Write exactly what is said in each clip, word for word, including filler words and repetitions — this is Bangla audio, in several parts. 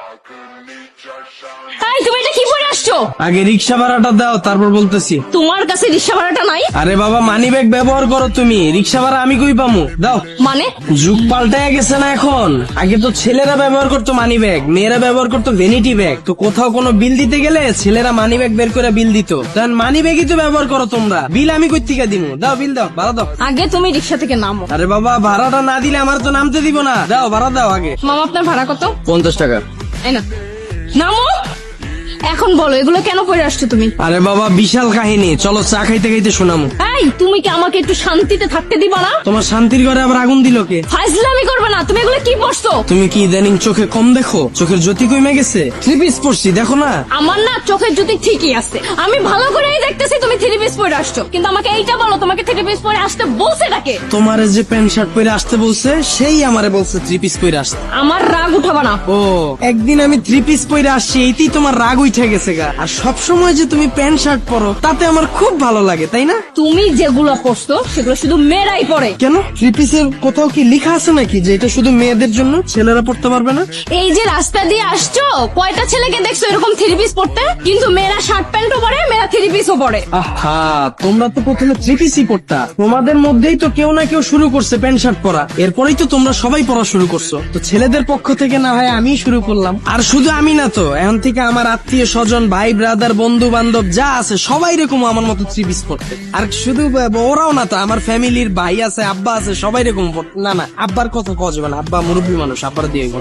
এই তুমি এটা কি পরে আসছো? আগে রিক্সা ভাড়াটা দাও, তারপর বলতেছি। তোমার কাছে রিক্সা ভাড়াটা নাই? আরে বাবা, মানি ব্যাগ ব্যবহার করো তুমি, রিক্সা ভাড়া আমি কই পামু? দাও। মানে যুগ পাল্টায় গেছে না এখন। আগে তো ছেলেরা ব্যবহার করতো মানি ব্যাগ, মেয়েরা ব্যবহার করতো ভ্যানিটি ব্যাগ। তো কোথাও কোনো বিল দিতে গেলে ছেলেরা মানি ব্যাগ বের করে বিল দিত। তখন মানি ব্যাগই তো ব্যবহার করো তোমরা, বিল আমি কই থেকে দিমু? দাও বিল দাও, ভাড়া দাও। আগে তুমি রিক্সা থেকে নামো। আরে বাবা, ভাড়াটা না দিলে আমার তো নামতে দিব না। দাও ভাড়া দাও আগে। মামা আপনার ভাড়া কত? পঞ্চাশ টাকা। এই না, নামো। এখন বলো এগুলো কেন পরে আসছো তুমি? আরে বাবা, বিশাল কাহিনী, চলো চা খাইতে খাইতে শোনামু। এই তুমি কি আমাকে একটু শান্তিতে থাকতে দিবা না? তোমার শান্তির ঘরে আবার আগুন দিল কে? ফাইজলামি করবে না। তুমি এগুলো কি পড়ছো? তুমি কি ইদানিং চোখে কম দেখো? চোখের জ্যোতি কমে গেছে? থ্রি পিস পরছি, দেখো না? আমার না চোখের জ্যোতি ঠিকই আছে, আমি ভালো করেই দেখতেছি তুমি থ্রি পিস পরে আসছো। কিন্তু আমাকে এইটা বলো, তোমাকে থ্রি পিস পরে আসতে বলছে নাকি? তোমারে যে প্যান্ট শার্ট পরে আসতে বলছে, সেই আমারে বলছে থ্রি পিস পরে আসতে। আমার রাগ উঠাবা না। ও, একদিন আমি থ্রি পিস পরে আসছি, এইতেই তোমার রাগ উঠে গেছে গা। আর সব সময় যে তুমি প্যান্ট শার্ট পরো, তাতে আমার খুব ভালো লাগে, তাই না? তুমি যেগুলো পরছো সেগুলো শুধু মেয়েরাই পরে। কেন, থ্রি পিসের কোথাও কি লেখা আছে নাকি যে এটা শুধু মেয়েদের জন্য, ছেলেরা পড়তে পারবে না? এই যে রাস্তা দিয়ে আসছো, কয়টা ছেলেকে দেখছো এরকম থ্রি পিস পরতে? কিন্তু মেয়েরা শার্ট প্যান্টও পরে, মেয়েরা থ্রি পিসও পরে। আহা, তোমরা তো প্রথমে থ্রি পিসই পড়তা। তোমাদের মধ্যেই তো কেউ না কেউ শুরু করছে প্যান্ট শার্ট পরা, এরপরেই তো তোমরা সবাই পড়া শুরু করছো। তো ছেলেদের পক্ষ থেকে না হয় আমি শুরু করলাম। আর শুধু আমি না তো, এখন থেকে আমার আত্মীয় স্বজন, ভাই ব্রাদার, বন্ধু বান্ধব যা আছে সবাই এরকম আমার মতো থ্রি পিস পড়তে। আর শুধু ওরাও না তো, আমার ফ্যামিলির ভাই আছে, আব্বা আছে, সবাই এরকম পড়তে। না না, আব্বার কথা কওয়া যাবে না, আব্বা মুরব্বী মানুষ, আব্বার দিয়ে গেল।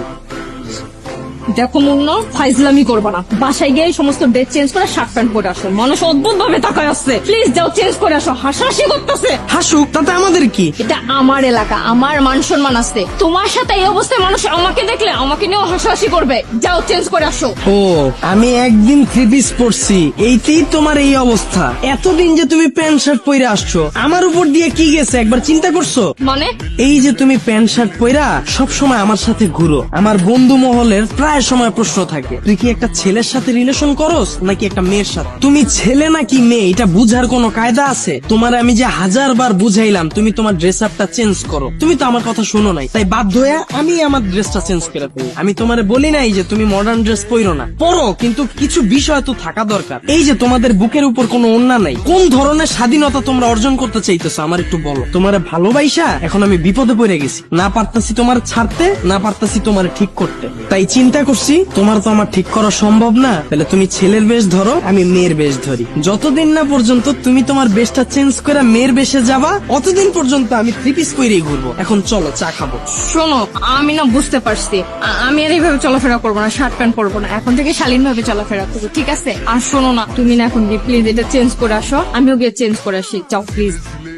দেখো মুন্না, ফাইজলামি করবা না। বাসায় গিয়ে এই সমস্ত ড্রেস চেঞ্জ করে শার্ট প্যান্ট পরে আসো। মানুষ অদ্ভুত ভাবে তাকায় আসছে। প্লিজ যাও চেঞ্জ করে আসো। হাসাহাসি করতেছে। হাসুক, তাতে আমাদের কি? এটা আমার এলাকা, আমার মান সম্মান আছে। তোমার সাথে এই অবস্থায় মানুষ আমাকে দেখলে আমাকে নিয়েও হাসাহাসি করবে। যাও চেঞ্জ করে আসো। ও, আমি একদিন থ্রি পিস পরছি, এইতেই তোমার এই অবস্থা। এতদিন যে তুমি প্যান্ট শার্ট পরে আসছো, আমার উপর দিয়ে কি গেছে একবার চিন্তা করছো? মানে এই যে তুমি প্যান্ট শার্ট পরা সব সময় আমার সাথে ঘুরো, আমার বন্ধু মহলের প্রায় সময় প্রশ্ন থাকে, তুই কি একটা ছেলের সাথে রিলেশন করস নাকি একটা মেয়ের সাথে? তুমি ছেলে নাকি মেয়ে এটা বুঝার কোনো কায়দা আছে? তোমার আমি যে হাজার বার বুঝাইলাম তুমি তোমার ড্রেস আপটা চেঞ্জ করো, তুমি তো আমার কথা শুনো নাই। তাই বাধ্য হয়ে আমি আমার ড্রেসটা চেঞ্জ করে ফেলি। আমি তোমারে বলি নাই যে তুমি মডার্ন ড্রেস পরো না, পরো, কিন্তু কিছু বিষয় তো থাকা দরকার। এই যে তোমাদের বুকের উপর কোনো ওড়না নাই, কোন ধরনের স্বাধীনতা তোমরা অর্জন করতে চাইতেছো আমার একটু বলো। তোমারে ভালোবাসা এখন আমি বিপদে পড়ে গেছি, না পারতাছি তোমার ছাড়তে, না পারতাছি তোমার ঠিক করতে। তাই চিন্তা করছি তোমার তো আমার ঠিক করা সম্ভব না, তাহলে তুমি ছেলের বেশ ধরো, আমি মেয়ের বেশ ধরি। যতদিন না পর্যন্ত তুমি তোমার বেশটা চেঞ্জ করে মেয়ের বেশে যাবা, অতদিন পর্যন্ত আমি থ্রি পিস পরেই ঘুরবো। এখন চলো চা খাবো। শোনো, আমি না বুঝতে পারছি আ- আমি আর এইভাবে চলাফেরা করবো না, শার্ট প্যান্ট পরবো না। এখন থেকে শালীন ভাবে চলাফেরা করবো, ঠিক আছে? আর শোনো না, তুমি না এখন গিয়ে প্লিজ এটা চেঞ্জ করে আসো, আমিও গিয়ে চেঞ্জ করে আসি। যাও প্লিজ।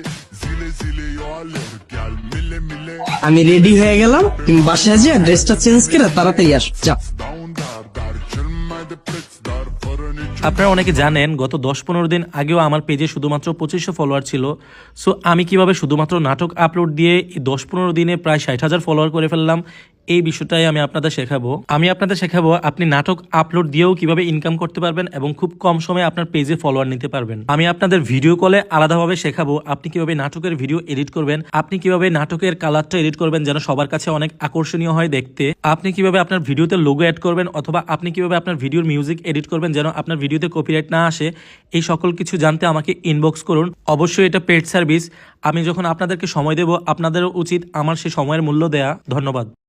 আমি রেডি হয়ে গেলাম, তুমি বাসায় যে ড্রেসটা চেঞ্জ করে তাড়াতাড়ি আসো, যাও। আপনারা অনেকে জানেন গত দশ পনেরো দিন আগেও আমার পেজে শুধুমাত্র পঁচিশশো ফলোয়ার ছিল। সো আমি কিভাবে শুধুমাত্র নাটক আপলোড দিয়ে এই দশ পনেরো দিনে প্রায় ষাট হাজার ফলোয়ার করে ফেললাম, এই বিষয়টাই আমি আপনাদের শেখাবো। আমি আপনাদের শেখাবো আপনি নাটক আপলোড দিয়েও কিভাবে ইনকাম করতে পারবেন এবং খুব কম সময়ে আপনার পেজে ফলোয়ার নিতে পারবেন। আমি আপনাদের ভিডিও কলে আলাদাভাবে শেখাবো আপনি কিভাবে নাটকের ভিডিও এডিট করবেন, আপনি কিভাবে নাটকের কালারটা এডিট করবেন যেন সবার কাছে অনেক আকর্ষণীয় হয় দেখতে, আপনি কিভাবে আপনার ভিডিওতে লোগো অ্যাড করবেন, অথবা আপনি কিভাবে আপনার ভিডিওর মিউজিক এডিট করবেন যেন আপনার ভিডিওতে কপিরাইট না আসে। এই সকল কিছু জানতে আমাকে ইনবক্স করুন। অবশ্যই এটা পেড সার্ভিস। আমি যখন আপনাদেরকে সময় দেব, আপনাদেরও উচিত আমার সেই সময়ের মূল্য দেয়া। ধন্যবাদ।